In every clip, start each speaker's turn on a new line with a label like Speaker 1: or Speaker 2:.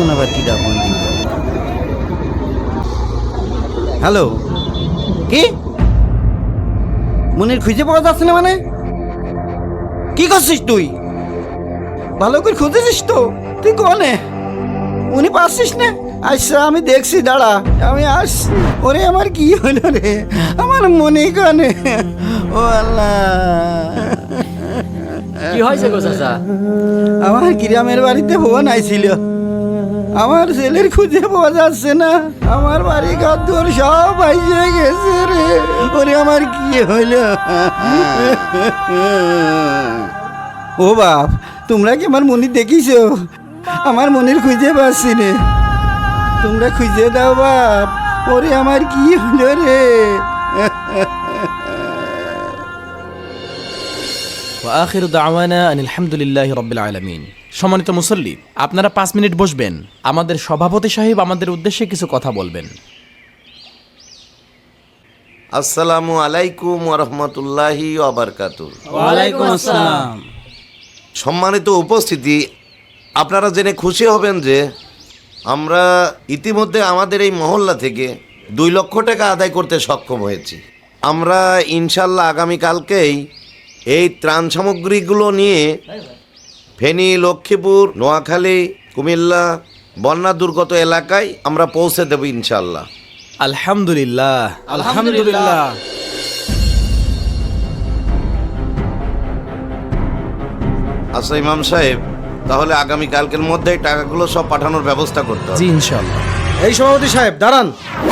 Speaker 1: এখন আবার কিডা ফোন দিল? হ্যালো, কি মনির খুঁজে পাওয়া যাচ্ছে না? মানে কি করছিস তুই? ভালো করে খুঁজেছিস তো? তুই কোনে উনি পাচ্ছিস না? আচ্ছা আমি দেখছি, দাঁড়া আমি আসছি। ওরে আমার কি হলো রে, আমার মনে কানে। ও আল্লাহ,
Speaker 2: কি হয়েছে গো চাচা?
Speaker 1: আমার গ্রামের বাড়িতে ফোন আইছিল, আমার ছেলের খুঁজে পাওয়া যাচ্ছে না, আমার বাড়ি ঘর দুয়ার সব আইসে গেছে রে। ওরে আমার কি হইল? ও বাপ, তোমরা কি আমার মনি দেখিছো? আমার মনির খুঁজে পাচ্ছি রে, তোমরা খুঁজে দাও বাপ। ওরে আমার কি হইল রে?
Speaker 3: আখিরু দাওয়ানা আনিল হামদুলিল্লাহি রাব্বিল আলামিন। সম্মানিত মুসল্লি, আপনারা 5 মিনিট বসবেন, আমাদের সভাপতি সাহেব আমাদের উদ্দেশ্যে কিছু কথা বলবেন।
Speaker 4: আসসালামু আলাইকুম ওয়া রাহমাতুল্লাহি ওয়া বারাকাতুহু।
Speaker 2: ওয়ালাইকুম আসসালাম।
Speaker 4: সম্মানিত উপস্থিতি, আপনারা জেনে খুশি হবেন যে আমরা ইতিমধ্যে আমাদের এই মহল্লা থেকে 2 লক্ষ টাকা আদায় করতে সক্ষম হয়েছি। আমরা ইনশাল্লাহ আগামীকালকেই এই ত্রাণ সামগ্রীগুলো নিয়ে ফেনী, লক্ষ্মীপুর, নোয়াখালী, কুমিল্লা বন্যা দুর্গত এলাকায় আমরা পৌঁছে দেব ইনশাল্লাহ।
Speaker 3: আলহামদুলিল্লাহ, আলহামদুলিল্লাহ।
Speaker 4: আচ্ছা ইমাম সাহেব, তাহলে আগামীকালকের মধ্যে টাকাগুলো সব পাঠানোর ব্যবস্থা করতে হবে।
Speaker 3: জি ইনশাআল্লাহ।
Speaker 5: এই সভাপতি সাহেব দাঁড়ান,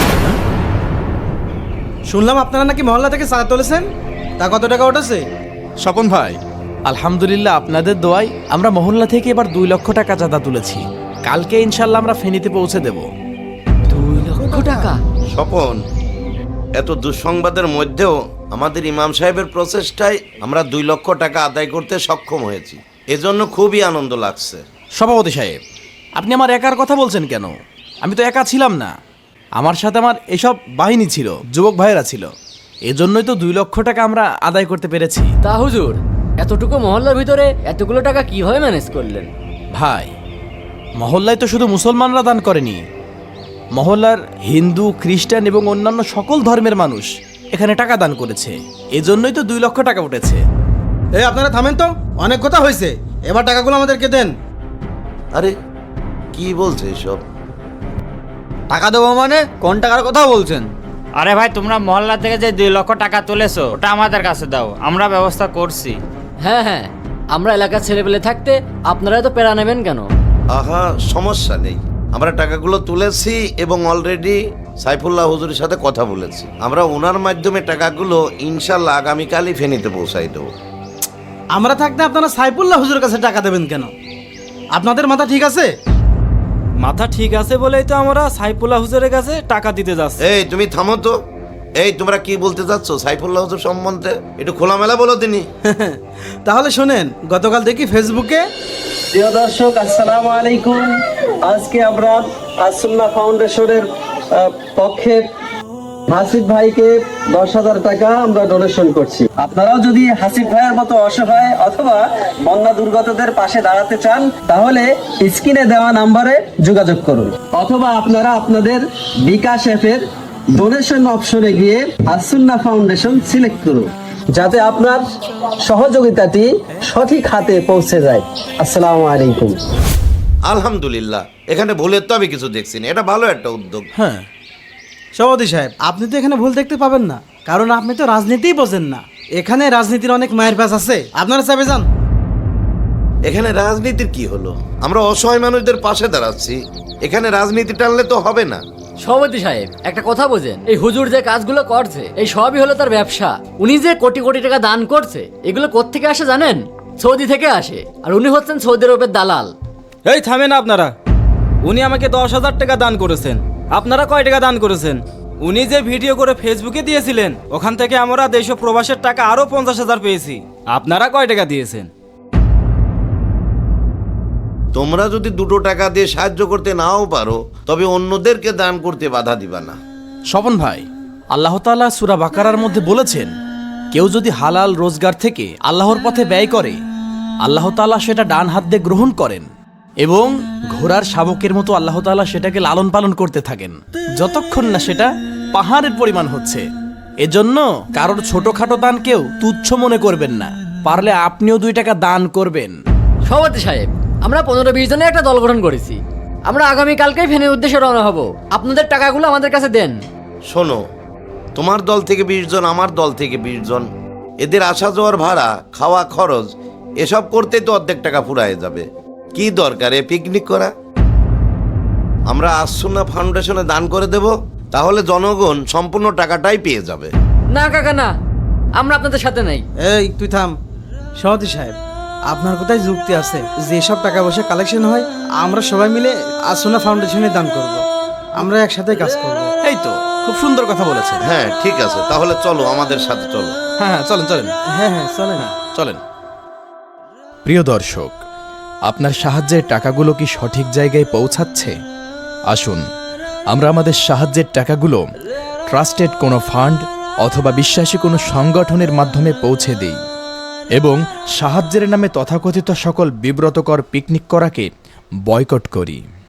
Speaker 5: শুনলাম আপনারা নাকি মহল্লা থেকে চাঁদা তুলেছেন, তা কত টাকা উঠেছে?
Speaker 3: স্বপন ভাই, আলহামদুলিল্লাহ আপনাদের দোয়ায় আমরা মহল্লা থেকে এবার 2 লক্ষ টাকা চাঁদা তুলেছি। কালকে ইনশাআল্লাহ আমরা ফেনীতে পৌঁছে দেব।
Speaker 2: 2 লক্ষ টাকা?
Speaker 4: স্বপন, এত দুঃসংবাদের মধ্যেও আমাদের ইমাম সাহেবের প্রচেষ্টায় আমরা 2 লক্ষ টাকা আদায় করতে সক্ষম হয়েছি, এজন্য খুবই আনন্দ লাগছে।
Speaker 3: সভাপতি সাহেব, আপনি আমার একার কথা বলছেন কেন? আমি তো একা ছিলাম না, আমার সাথে আমার এসব বাহিনী ছিল, যুবক ভাইয়েরা ছিল, এজন্যই তো 2 লক্ষ টাকা আমরা আদায় করতে পেরেছি।
Speaker 2: তা হুজুর, এতটুকু মহল্লার ভিতরে এতগুলো টাকা কিভাবে ম্যানেজ করলেন?
Speaker 3: ভাই, মহল্লায় তো শুধু মুসলমানরা দান করেনি, মহল্লার হিন্দু, খ্রিস্টান এবং অন্যান্য সকল ধর্মের মানুষ এখানে টাকা দান করেছে, এজন্যই তো 2 লক্ষ টাকা উঠেছে।
Speaker 5: এই আপনারা থামেন তো, অনেক কথা হয়েছে, এবার টাকাগুলো আমাদেরকে দেন।
Speaker 4: আরে কি বলছে এসব?
Speaker 5: টাকা দেবো মানে? কোন টাকার কথা বলছেন?
Speaker 6: আরে ভাই, তোমরা মহল্লা থেকে যে 2 লক্ষ টাকা তুলেছো ওটা আমাদের কাছে দাও, আমরা ব্যবস্থা করছি।
Speaker 2: হ্যাঁ হ্যাঁ, আমরা এলাকার ছেলেপেলে থাকতে আপনারা তো পেরা নেবেন কেন?
Speaker 4: আহা, সমস্যা নেই, আমরা টাকাগুলো তুলেছি এবং অলরেডি সাইফুল্লাহ হুজুরের সাথে কথা বলেছি। আমরা ওনার মাধ্যমে টাকাগুলো ইনশাল্লাহ আগামীকালই ফেনীতে পৌঁছাই দেবো।
Speaker 5: আমরা থাকতে আপনারা সাইফুল্লাহ হুজুরের কাছে টাকা দেবেন কেন? আপনাদের মাথা ঠিক আছে?
Speaker 7: মাথা ঠিক আছে বলেই তো আমরা সাইফুল্লাহ হুজুরের কাছে টাকা দিতে যাচ্ছি।
Speaker 4: এই তুমি থামো তো, এই তোমরা কি বলতে চাচ্ছ সাইফুল্লাহ হুজুর সম্বন্ধে? একটু খোলামেলা বলো তিনি।
Speaker 5: তাহলে শোনেন, গতকাল দেখি ফেসবুকে।
Speaker 8: প্রিয় দর্শক, আসসালামু আলাইকুম। আজকে আমরা আসুন্নাহ ফাউন্ডেশনের পক্ষে হাসিফ ভাইকে 10,000 টাকা আমরা ডোনেশন করছি। আপনারাও যদি হাসিফ ভাইয়ের মতো অসহায় অথবা বন্যা দুর্গতদের পাশে দাঁড়াতে চান, তাহলে স্ক্রিনে দেওয়া নম্বরে যোগাযোগ করুন, অথবা আপনারা আপনাদের বিকাশ অ্যাপের ডোনেশন অপশনে গিয়ে আসুন্নাহ ফাউন্ডেশন সিলেক্ট করুন, যাতে আপনার সহযোগিতাটি সঠিক হাতে পৌঁছে যায়। আসসালামু আলাইকুম।
Speaker 4: আলহামদুলিল্লাহ, এখানে ভুলের তো আমি কিছু দেখছি না, এটা ভালো একটা উদ্যোগ।
Speaker 3: হ্যাঁ
Speaker 5: সভাপতি সাহেব, আপনি তো এখানে ভুল দেখতে পাবেন না, কারণ আপনি তো রাজনীতিই বোঝেন না। এখানে রাজনীতির অনেক মায়ের পাশ আছে, আপনারা চাপে যান।
Speaker 4: এখানে রাজনীতির কি হলো? আমরা অসহায় মানুষদের পাশে দাঁড়াচ্ছি, এখানে রাজনীতি টানলে তো হবে না।
Speaker 2: সভাপতি সাহেব, একটা কথা বোঝেন, এই হুজুর যে কাজগুলো করছে এই সবই হলো তার ব্যবসা। উনি যে কোটি কোটি টাকা দান করছে, এগুলো কোত্থেকে আসে জানেন? সৌদি থেকে আসে, আর উনি হচ্ছেন সৌদি আরবের দালাল।
Speaker 7: এই থামেন আপনারা, উনি আমাকে 10,000 টাকা দান করেছেন, আপনারা কয় টাকা দান করেছেন? উনি যে ভিডিও করে ফেসবুকে দিয়েছিলেন, ওখান থেকে আমরা দেশ ও প্রবাসের টাকা আরো 50,000 পেয়েছি। আপনারা কয় টাকা দিয়েছেন?
Speaker 4: তোমরা যদি 2 টাকা দিয়ে সাহায্য করতে নাও পারো, তবে অন্যদেরকে দান করতে বাধা দিবা না।
Speaker 3: স্বপন ভাই, আল্লাহ তাআলা সূরা বাকারার মধ্যে বলেছেন, কেউ যদি হালাল রোজগার থেকে আল্লাহর পথে ব্যয় করে, আল্লাহ তাআলা সেটা ডান হাত দিয়ে গ্রহণ করেন এবং ঘোড়ার শাবকের মতো আল্লাহ তাআলা সেটাকে লালন পালন করতে থাকেন যতক্ষণ না সেটা পাহাড়ের পরিমাণ হচ্ছে। এজন্য কারোর ছোটখাটো দানকেও তুচ্ছ মনে করবেন না, পারলে আপনিও 2 টাকা দান করবেন।
Speaker 2: সভাপতি সাহেব, আমরা 15-20 জনের একটা দল গঠন করেছি। আমরা আগামীকালকেই ফেনীর উদ্দেশ্যে রওনা হব। আপনাদের টাকাগুলো আমাদের কাছে দেন।
Speaker 4: শোনো, তোমার দল থেকে 20 জন, আমার দল থেকে 20 জন, এদের আসা যাওয়ার ভাড়া, খাওয়া খরচ এসব করতেই তো অর্ধেক টাকা ফুরায় যাবে। কি দরকার এ পিকনিক করা? আমরা আসুন্না ফাউন্ডেশনে দান করে দেব, তাহলে জনগণ সম্পূর্ণ টাকাটাই পেয়ে যাবে।
Speaker 2: না কাকা না, আমরা আপনাদের সাথে নাই।
Speaker 5: এই তুই থাম। সভাপতি সাহেব, আপনার কোথায় যুক্তি আছে? যেসব টাকা পয়সা কালেকশন হয় আমরা সবাই মিলে আসুনা ফাউন্ডেশনে দান করব। আমরা একসাথে কাজ করব।
Speaker 3: এই তো খুব সুন্দর কথা বলেছেন।
Speaker 4: হ্যাঁ ঠিক আছে, তাহলে চলো, আমাদের সাথে চলো।
Speaker 3: হ্যাঁ হ্যাঁ, চলেন চলেন
Speaker 5: হ্যাঁ হ্যাঁ, চলেন।
Speaker 3: চলেন। প্রিয় দর্শক, আপনার সাহায্যের টাকাগুলো কি সঠিক জায়গায় পৌঁছাচ্ছে? আসুন আমরা আমাদের সাহায্যের টাকাগুলো ট্রাস্টেড কোনো ফান্ড অথবা বিশ্বাসী কোনো সংগঠনের মাধ্যমে পৌঁছে দিই এবং সাহায্যের নামে তথাকথিত সকল বিব্রতকর পিকনিক করাকে বয়কট করি।